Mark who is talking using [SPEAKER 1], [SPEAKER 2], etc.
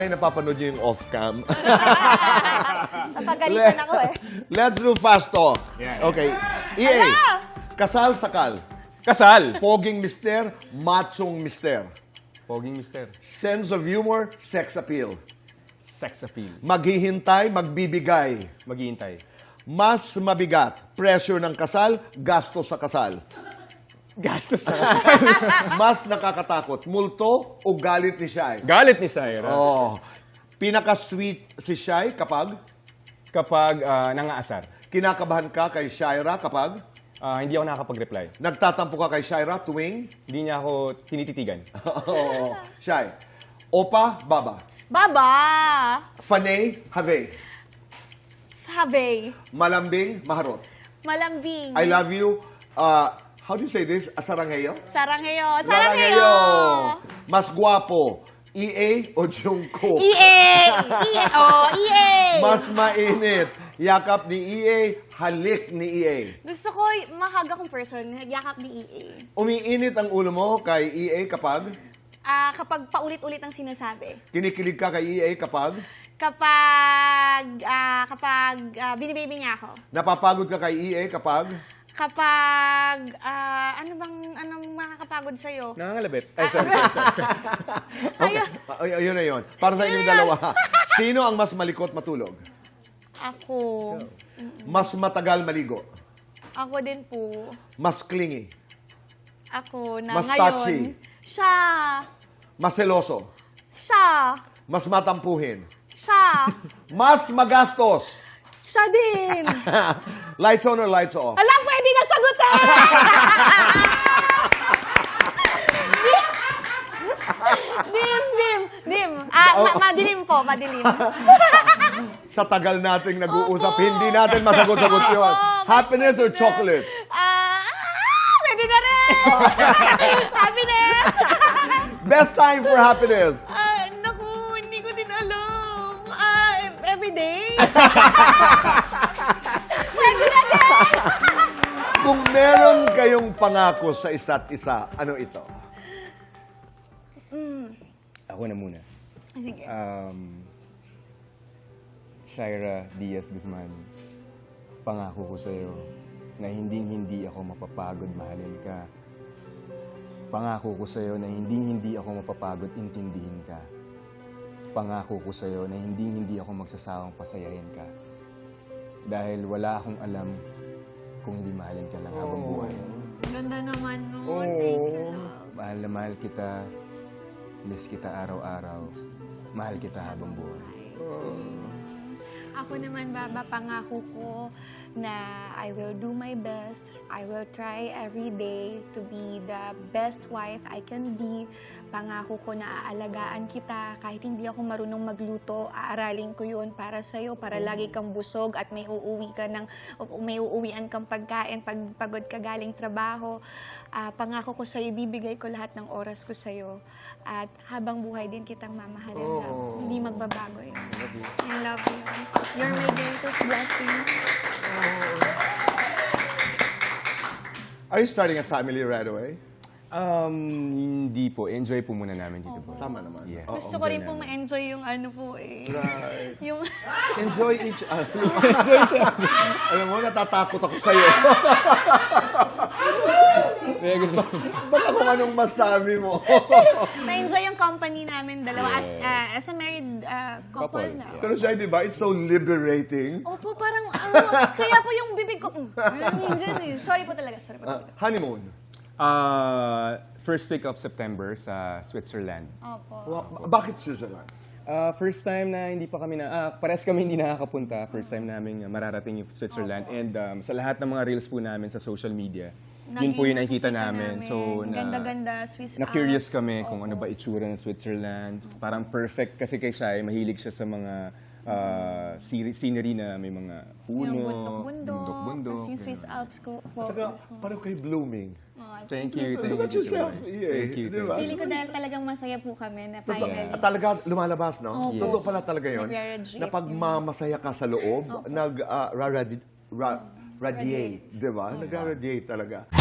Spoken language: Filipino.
[SPEAKER 1] Ay, napapanood niyo yung off-cam.
[SPEAKER 2] Napagalitan ako eh.
[SPEAKER 1] Let's do fast talk.
[SPEAKER 3] Yeah.
[SPEAKER 1] Okay. EA. Kasal, sakal.
[SPEAKER 3] Kasal!
[SPEAKER 1] Poging mister, machong mister.
[SPEAKER 3] Poging mister.
[SPEAKER 1] Sense of humor, sex appeal.
[SPEAKER 3] Sex appeal.
[SPEAKER 1] Maghihintay, magbibigay.
[SPEAKER 3] Maghihintay.
[SPEAKER 1] Mas mabigat, pressure ng kasal, gasto sa kasal.
[SPEAKER 3] Gastos sa
[SPEAKER 1] Mas nakakatakot, multo o galit ni Shai.
[SPEAKER 3] Galit ni Syra.
[SPEAKER 1] Oh. Pinaka-sweet si Shai kapag
[SPEAKER 3] Kapag nangaasar.
[SPEAKER 1] kinakabahan ka kay Shaira kapag
[SPEAKER 3] Hindi ako nakakapag-reply.
[SPEAKER 1] nagtatampo ka kay Shaira tuwing
[SPEAKER 3] Hindi niya ako tinititigan.
[SPEAKER 1] Oo. Shai. Opa, baba.
[SPEAKER 2] Baba!
[SPEAKER 1] Fanay, have.
[SPEAKER 2] Have.
[SPEAKER 1] Malambing, maharot.
[SPEAKER 2] Malambing.
[SPEAKER 1] I love you. How do you say this? Asarangheyo?
[SPEAKER 2] Sarangheyo. Sarangheyo!
[SPEAKER 1] Mas guwapo, EA o Jungkook?
[SPEAKER 2] EA! EA! Oh, EA!
[SPEAKER 1] Mas mainit, yakap ni EA, halik ni EA.
[SPEAKER 2] Gusto ko mahag akong person, yakap ni EA.
[SPEAKER 1] Umiinit ang ulo mo kay EA kapag
[SPEAKER 2] Kapag paulit-ulit ang sinasabi.
[SPEAKER 1] kinikilig ka kay EA kapag
[SPEAKER 2] Kapag binibaby niya ako.
[SPEAKER 1] napapagod ka kay EA kapag
[SPEAKER 2] Anong makakapagod sa'yo?
[SPEAKER 3] Nangangalabit. Ay, sorry.
[SPEAKER 2] Ayun.
[SPEAKER 1] Ayun na yun. Para sa inyong dalawa. Sino ang mas malikot matulog?
[SPEAKER 2] Ako.
[SPEAKER 1] Mas matagal maligo?
[SPEAKER 2] Ako din po.
[SPEAKER 1] Mas clingy?
[SPEAKER 2] Ako na
[SPEAKER 1] Mas
[SPEAKER 2] ngayon.
[SPEAKER 1] touchy?
[SPEAKER 2] Siya.
[SPEAKER 1] Mas seloso?
[SPEAKER 2] Siya.
[SPEAKER 1] Mas matampuhin?
[SPEAKER 2] Siya.
[SPEAKER 1] Mas magastos?
[SPEAKER 2] Siya din.
[SPEAKER 1] Lights on or lights off?
[SPEAKER 2] Alam, pwede na sagutin! Dim. Madilim po, madilim.
[SPEAKER 1] Sa tagal nating nag-uusap, hindi natin masagot-sagot yun. Happiness or chocolate?
[SPEAKER 2] Pwede na rin. Happiness.
[SPEAKER 1] Best time for happiness?
[SPEAKER 2] Naku, hindi ko din alam. Everyday. Pwede na din.
[SPEAKER 1] Kung meron kayong pangako sa isa't isa, ano ito?
[SPEAKER 3] Ako na muna.
[SPEAKER 2] Sige.
[SPEAKER 3] Shaira Diaz Guzman, pangako ko sa'yo na hinding-hindi ako mapapagod mahalin ka. Pangako ko sa'yo na hinding-hindi ako mapapagod intindihin ka. Pangako ko sa'yo na hinding-hindi ako magsasawang pasayahin ka. Dahil wala akong alam kung hindi mahalin ka lang habang buhay.
[SPEAKER 2] Ganda naman nun. Thank you, love.
[SPEAKER 3] Mahal na mahal kita. Miss kita araw-araw. Mahal kita habang buhay.
[SPEAKER 2] Ako naman, Baba, pangako ko na I will do my best. I will try every day to be the best wife I can be. Pangako ko na aalagaan kita. Kahit hindi ako marunong magluto, aaralin ko yun para sa'yo, para lagi kang busog at may uuwian kang pagkain pag pagod ka galing trabaho. Pangako ko sa'yo, bibigay ko lahat ng oras ko sa'yo. At habang buhay din kitang mamahalin. Hindi magbabago yun. I love you. You're my greatest blessing.
[SPEAKER 1] Are you starting a family right away?
[SPEAKER 3] Hindi po. Enjoy po muna namin dito po.
[SPEAKER 1] Tama naman.
[SPEAKER 3] Yeah.
[SPEAKER 1] Oo.
[SPEAKER 2] Gusto ko rin po ma-enjoy yung ano po eh.
[SPEAKER 1] Right.
[SPEAKER 2] Yung...
[SPEAKER 1] Enjoy each other. Alam mo, natatakot ako sa'yo. Baka kung anong masabi mo.
[SPEAKER 2] Ma-enjoy yung company namin dalawa as a married couple
[SPEAKER 3] Couple,
[SPEAKER 2] na.
[SPEAKER 3] yeah.
[SPEAKER 1] Pero siya, di ba, it's so liberating.
[SPEAKER 2] Opo, parang kaya po yung bibig ko. Minsan eh. Sorry po talaga.
[SPEAKER 1] Honeymoon.
[SPEAKER 3] First week of September sa Switzerland.
[SPEAKER 2] Opo.
[SPEAKER 1] Bakit Switzerland?
[SPEAKER 3] First time na hindi pa kami parehas kami hindi nakakapunta. First time namin mararating yung Switzerland. And sa lahat ng mga reels po namin sa social media, yun po yung nakikita namin. So,
[SPEAKER 2] ganda-ganda, Swiss
[SPEAKER 3] na-curious
[SPEAKER 2] Alps.
[SPEAKER 3] kami kung ano ba itsura ng Switzerland. Parang perfect kasi kay Shai, mahilig siya sa mga scenery na may mga puno,
[SPEAKER 2] Yung bundok-bundok. Tapos yung Swiss Alps ko.
[SPEAKER 1] Saka, pareho kay blooming.
[SPEAKER 3] Thank you.
[SPEAKER 1] Look at yourself.
[SPEAKER 3] Thank you.
[SPEAKER 1] Di ba?
[SPEAKER 2] Feeling ko dahil talagang masaya po kami na finally.
[SPEAKER 1] Talaga lumalabas, no?
[SPEAKER 2] Opo.
[SPEAKER 1] Totoo pala talaga yun.
[SPEAKER 2] Nagre-radiate
[SPEAKER 1] Na pag mamasaya ka sa loob, nag-radiate, di ba? Nag-radiate talaga.